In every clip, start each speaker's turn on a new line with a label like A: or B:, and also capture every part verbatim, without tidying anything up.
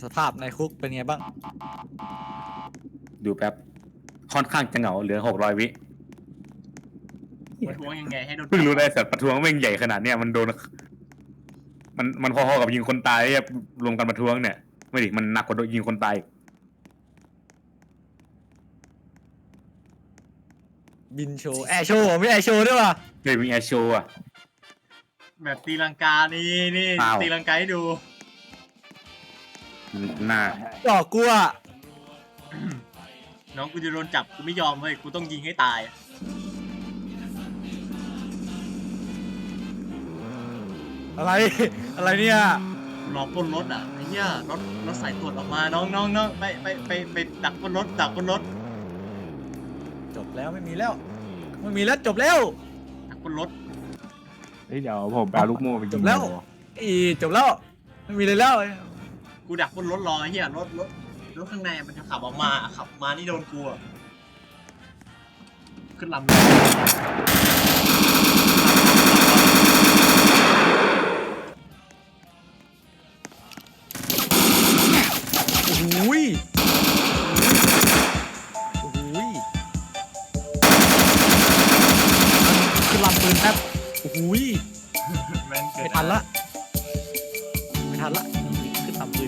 A: สภาพในคุกเป็นไงบ้าง
B: ดูแป๊บค่อนข้างจะเหงาเหลือหกร้อยวิ
C: ประท้วงยังไงให้โดน
B: เพิ่งรู้ได้สัตว์ประท้วงแม่งใหญ่ขนาดเนี้ยมันโดนมันมันพอๆกับยิงคนตายเนี่ยรวมกันประท้วงเนี่ยไม่ดิมันหนักกว่าโดนยิงคนตาย
A: บินโชว์แอร์โชว์ไม่แอร์โชว์ด้วยว่ะ
B: เฮ้ยมีแอร์โชว์อะ
C: แบบตีลังกานี่นี่ตีลังกาให้ดู
B: หน้า
A: ดอกกูอ่ะ
C: น้องกูจะโดนจับกูไม่ยอมเว้ยกูต้องยิงให้ตาย
A: อะไรอะไรเนี่ย
C: รอปล้นรถอ่ะไอ้เหี้ยรถรถสายตรวจออกมาน้องน้องน้องไปไปไปไปดักบนรถดักบนรถ
A: จบแล้วไม่มีแล้วไม่มีแล้วจบแล้ว
C: ดักบนรถ
D: เฮ้ยเดี๋ยวผมไปเอาลูกโม่ไป
A: จบแล้วอีจบแล้วไม่มีเลยแล้ว
C: กูดักบนรถรอไอ้เหี้ยรถรถรถข้างในมันจะขับออกมาขับมานี่โดนกูขึ้นลำ
A: โอ้โหโอ้โหขึ้นลำปืนแป๊บโอ้โหไม่ทันละไม่ทันละขึ้นลำปืน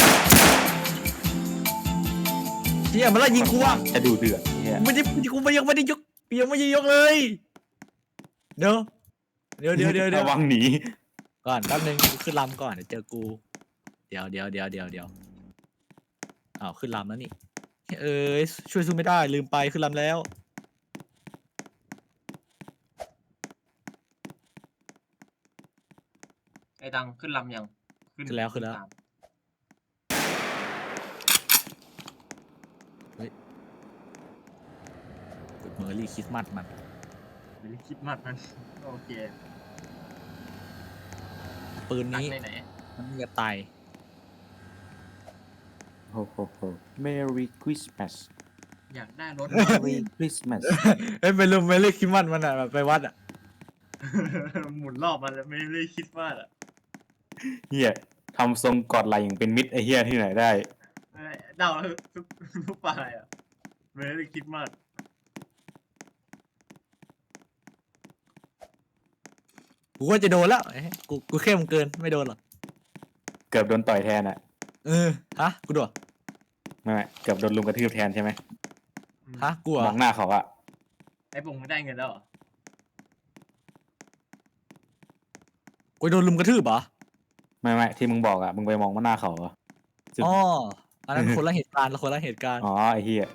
A: เฮียมันละยิงกูอ่ะ
B: จะดูเดือดเนี่ย
A: ไม่ได้กูไม่ยังไม่ได้ยกยังไม่ได้ยกเลยเดี๋ยวเดี๋ยวเดี๋ยวเดี๋ยวเดี๋ยว
B: ระวังหนี
A: ก่อนแป๊บนึงขึ้นลำก่อนเดี๋ยวเจอกูเดี๋ยวเดี๋ยวเดี๋ยวเดี๋ยวเดี๋ยวอ้าวขึ้นลำแล้วนี่เอ้ยช่วยสู้ไม่ได้ลืมไปขึ้นลำแล้ว
C: ไอ้ดังขึ้นลำยัง
A: ขึ้นแล้วขึ้นแล้วเฮ้ยกดเมอร์รี่คริสต์มาสมัน
C: เมอร์รี่คริสต์มาสมันโอเค
A: ปืนนี้มันจะตาย
B: โอ้โหโห Merry Christmas
C: อยากได้รถ
B: Merry Christmas
A: เอ้ยไปลุมเมอร์รี่คริสต์มาสมันอ่ะแบบไปวัดอ่ะ
C: หมุนรอบมันแล้วไม่ได้คิดว่าอ่ะ
B: เฮียทำทรงกอดไหล่อย่างเป็นมิตรไอเฮียที่ไหนได้
C: เดาทุกทุกฝ่ายอ่ะไม่ได้คิดมาก
A: กูก็จะโดนแล้วกูกูเข้มเกินไม่โดนหรอก
B: เกือบโดนต่อยแทนอ่ะ
A: เออฮะกูโดน
B: ไม่เกือบโดนลุมกระทืบแทนใช่ไหม
A: ฮะกู
B: มองหน้าเขาอะ
C: ไอ้ปงไม่ได้เงินแล้ว
A: กูโดนลุมกระทืบเหรอ
B: ไม่ไม่ที่มึงบอกอะมึงไปมองว่าหน้าเขาเหรอ
A: อ๋ออันนั้นคนละเหตุการณ์ละคนละเหตุการณ์
B: อ๋อไอ้เหี้ย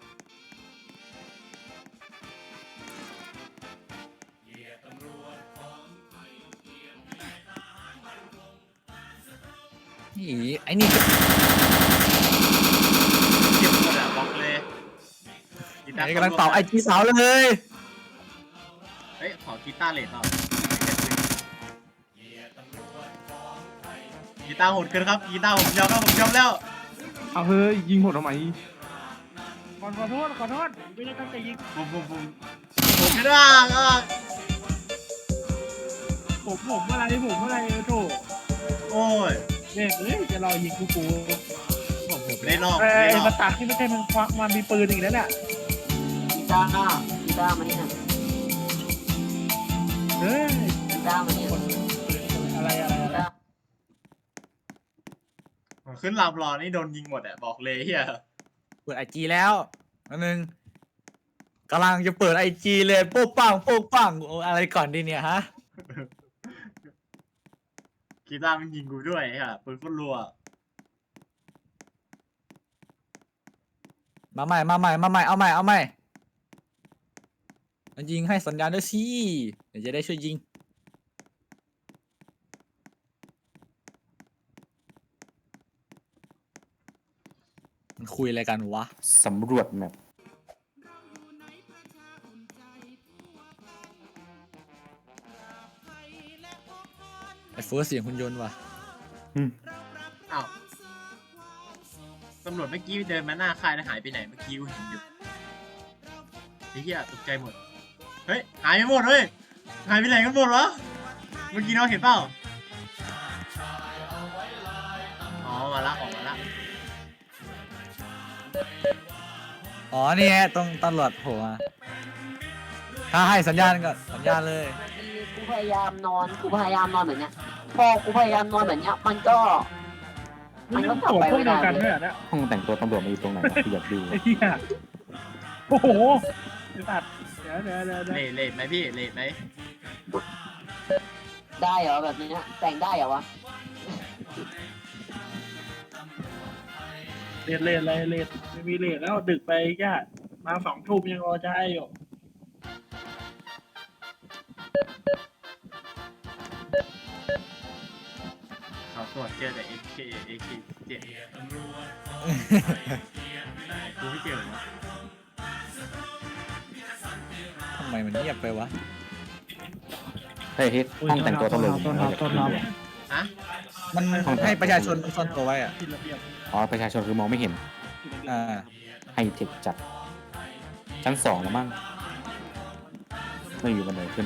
A: นี่ไอ้นี่
C: เก็บหมดอะบอกเลย
A: ไอ้กำลังเป่าไอ้จีสาวเลย
C: เฮ้ยขอกีตาร์เลดหน่อยกีตาร์โหดเกินครับกีตาร์ผมยอมแล้วผมยอมแล้ว
D: เอาเฮ้ยยิงผมทำไม
C: ขอขอโทษขอโทษไม่ได้ตั้งใจยิงผมผมผมผมไม่ได้อ่ะ
D: ผมผมอะไรผมอะไรโถ
C: โอ้ย
D: เนี่ยเฮ้ยจะรอยิงกูกู
C: ผมผมไม่ได้นอก
D: ไอ้มาตัดที่ไม่ใช่มันควักมันมีปืนอีกแล้วเนี่ย
E: กีตาร์กีตาร์มาเนี่ย
D: เฮ้ย
E: กีตาร์มาเนี่ย
D: อะไรอะไรอะไร
C: ขึ้นลำรอนี่โดนยิงหมดอ่ะบอกเลยเฮีย
A: เปิดไอจีแล้วอันนึงกำลังจะเปิดไอจีเลยโป๊ะปังโป๊ะปังอะไรก่อนดีเนี่ยฮะ
C: กีตาร์มันยิงกูด้วยค่ะปืนโคตรรัว
A: มาใหม่มาใหม่มาใหม่เอาใหม่เอาใหม่มันยิงให้สัญญาณด้วยสิเดี๋ยวจะได้ช่วยยิงมันคุยอะไรกันวะ
B: สำรวจแมป
A: ไอ้เฟิร์สเสียงหุ่นยนต์ว่ะ
C: อ้าวตำรวจเมื่อกี้เดินมาหน้าค่ายแล้วหายไปไหนเมื่อกี้กูเห็นอยู่ไอ้เหี้ยตกใจหมดเฮ้ยหายไปหมดเฮ้ยหายไปไหนกันหมดวะเมื่อกี้น้องเห็นเปล่าอ๋อมาละออกมาละ
A: อ๋อนี่ไงตรงตำรวจโผล่มาถ้าให้สัญญาณก็สัญญาณเลย
E: กูพยายามนอนกูพยายามนอนแบบเนี้ยพอกูพยายามนอนแบบเนี้ยมันก็
D: มันก็ตัวพวกเดียวกันด้วยเหรอเนี่ย
B: ห้องแต่งตัวตำรวจมาอยู่ตรงไหนวะที่อยากดู
D: ไอ้เหี้ยโอ้โหเดี๋ยวตัดเดี๋ยวเดี๋ยวเดี๋ยวเดี๋ยว
C: เลทเลทไหมพี่เลทไหม
E: ได้เหรอแบบเนี้ยแต่งได้เหรอวะ
D: เลทเลทอะไรเลทไม่มีเลทแล้วดึกไปแค่มาสองทุ่มยังรอจะให้อยู่
C: เขาตรวจเจอแต่ เอ เค เอ เค เจ็ดกูไม่เจอวะ
A: ทำไมมันเงียบไปวะ
B: เฮ้ยเฮ้ยห้องแต่งตัวตำรวจอยู่ไหนวะ
C: ฮะ
A: มันให้ประชาชนซ่อนตัวไว้อะ
D: ผิดระเบียบ
B: อ๋อประชาชนคือมองไม่เห็น
D: ผิดระเบียบ
A: อ่า
B: ไฮเทคจัด ชั้นสองแล้วมั้งไม่อยู่บันไดขึ้น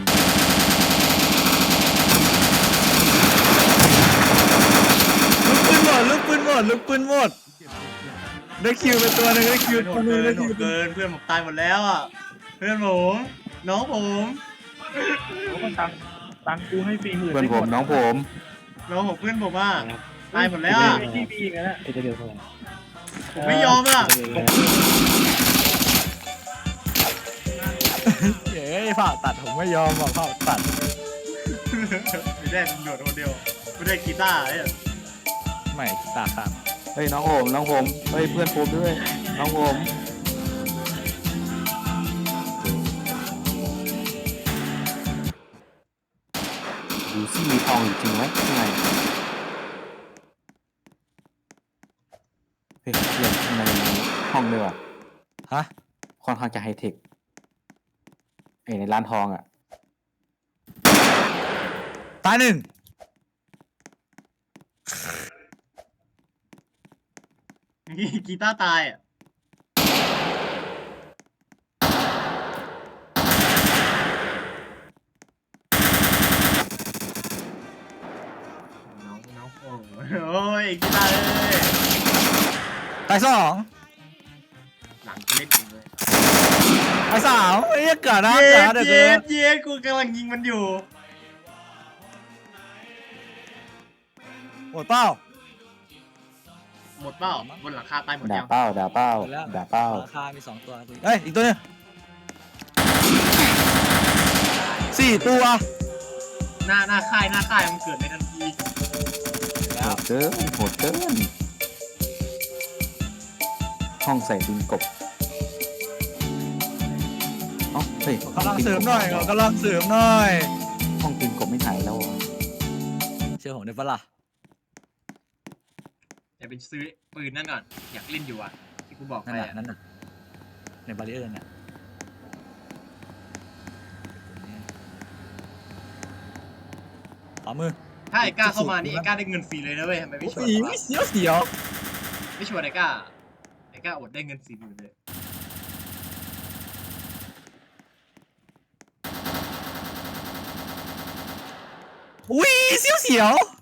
A: ลูกปืนหมดลูกปืนหมดลูกปืนหมดได้คิวไปตัวหนึงได้คิว
C: โห
A: ตัว
C: ด
A: หนึ
C: เกิ
A: งได้
C: นโห
A: คิว
C: ดเกินเพื่อนผมตายหมดแล้วอ่ะเพื่อนผมน้องผม
D: โอ้ก็ตังตังกูให้ฟรีหมื่น
B: เพื่อนผมน้องผม
C: น้องผมเพื่อนผมอ่ะตายหมดแล้วอ่ะ
D: ไอ้ที่มีอีกแล้ว
C: ผมไม่ยอมอ่ะ
A: เย้ยผ่าตัดผมไม่ยอมบอกผ่าตัด
C: ไม่ได้ตำรวจคนเดียวไม่ได้กีตาร์ไอ้เนี่ย
A: ไม่กีตาร์ครับ
B: เฮ้ยน้องผมน้องผมเฮ้ยเพื่อนผมด้วย น้องผมดูซิมีทองอยู่จริงไหมข้างในเฮ้ยเรื่องข้างในมีห้องด้วยว่ะ
A: ฮะ
B: ค่อนข้างจะไฮเทคไอ้ในร้านทองอ่ะ
A: ตายหนึ่ง
C: กีตาร์ตายอ่ะน้องน้องโอ้โอ้ยกีตาร์เลย
A: ตายสอง
C: หลังกูเล่นเองเลย
A: ตายสามเฮ้ยเกิดนะ
C: เย็
A: เกิด
C: ด
A: นะเดี๋ยว
C: เย็
A: เกิ
C: ด
A: ด
C: เย็ดกูกำลังยิงมันอยู่
A: หมดเป้า
C: หมดเปล่าบนหลังคาตายหมด
B: ด่า
C: ยัง
B: เป้าด่าเป้า
A: หมดแล้ว
B: ด่าเป้า
A: ราคามีสองตัวเฮ้ยอีกตัวหนึงสี่ตัว
C: หน้าหน้าค่ายหน้าค่ายมันเกิดในทันที
B: โหดเกินโหดเกินห้องใส่ดินกบเอ้าเฮ้ย
A: กำลังเสริมหน่อยกำลังเสริมหน่อย
B: ห้องดินกบไม่ถ่ายแล้วเหรอ
A: เชื่อผมได้ปะล่ะ
C: เดี๋ยวไปซื้อปืนนั่นก่อนอยากเล่นอยู่อ่ะที่กูบอกไป
A: นั่นน่ะ
C: อะ
A: นั่นน่ะในบาริเออร์น่ะขวามือ
C: ถ้าไอ้ก้าเข้ามานี่ไอ้ก้าได้เงินฟรีเลยนะเว้ยทำไมไม่ชวน
A: อี
C: วะ
A: เสียวเสียว
C: ไม่ชวนไอ้ก้าไอ้ก้าอดได้เงินสี่หมื่นเลย
A: อุ้ยเสียวเสียว